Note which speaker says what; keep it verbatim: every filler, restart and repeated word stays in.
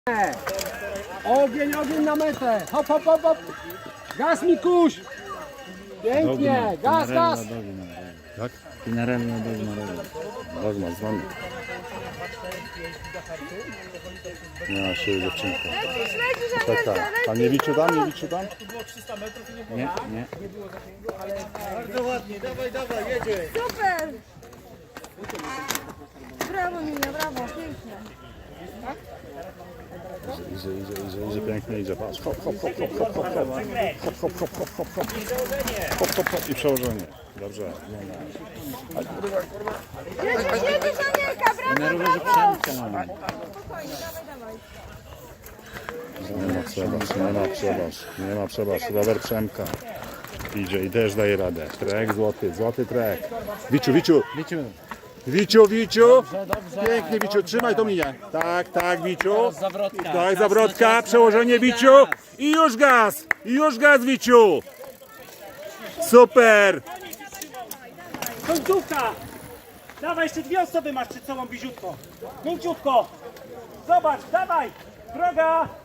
Speaker 1: Ogień, ogień na metę. Hop, hop, hop, hop. Gaz, Mikuś. Pięknie. Gaz, gaz.
Speaker 2: Jak?
Speaker 3: Pinarello dogma.
Speaker 2: Dogma, znamy. Nie, się dziewczynka.
Speaker 4: Lecisz, lecisz,
Speaker 2: Tak, tak. A nie liczy tam, nie liczy tam?
Speaker 3: Nie, nie.
Speaker 5: Bardzo ładnie, dawaj, dawaj, jedzie.
Speaker 4: super! Brawo Minia, brawo, pięknie.
Speaker 2: Idzie, idzie, idzie, idzie, pięknie idzie. Patrz, hop, hop, hop, hop, hop, hop, hop, hop, hop, hop, hop, hop, hop, hop, hop, hop i przełożenie. Dobrze.
Speaker 4: Jedziesz, jedziesz Anielka, brawo,
Speaker 3: Na rowerze
Speaker 4: brawo!
Speaker 3: Przemka mamy.
Speaker 4: Spokojnie, dawaj, dawaj.
Speaker 2: Nie ma przebaż, nie ma przebaż, nie ma przebaż. Rower Przemka idzie i też daje radę. Trek złoty, złoty trek. Wiciu, Wiciu,
Speaker 3: Wiciu,
Speaker 2: Wiciu, Wiciu.
Speaker 3: dobrze, dobrze.
Speaker 2: Pięknie, Wiciu, trzymaj tą linię. Tak, tak, Wiciu.
Speaker 3: Zawrotka.
Speaker 2: Tak,
Speaker 3: Czas,
Speaker 2: zawrotka,
Speaker 3: czas,
Speaker 2: przełożenie
Speaker 3: czas.
Speaker 2: Wiciu. I już gaz, i już gaz, Wiciu. Super.
Speaker 5: Końcówka! Dawaj, jeszcze dwie osoby masz przed sobą, biziutko. Mięciutko. Zobacz, dawaj. Droga.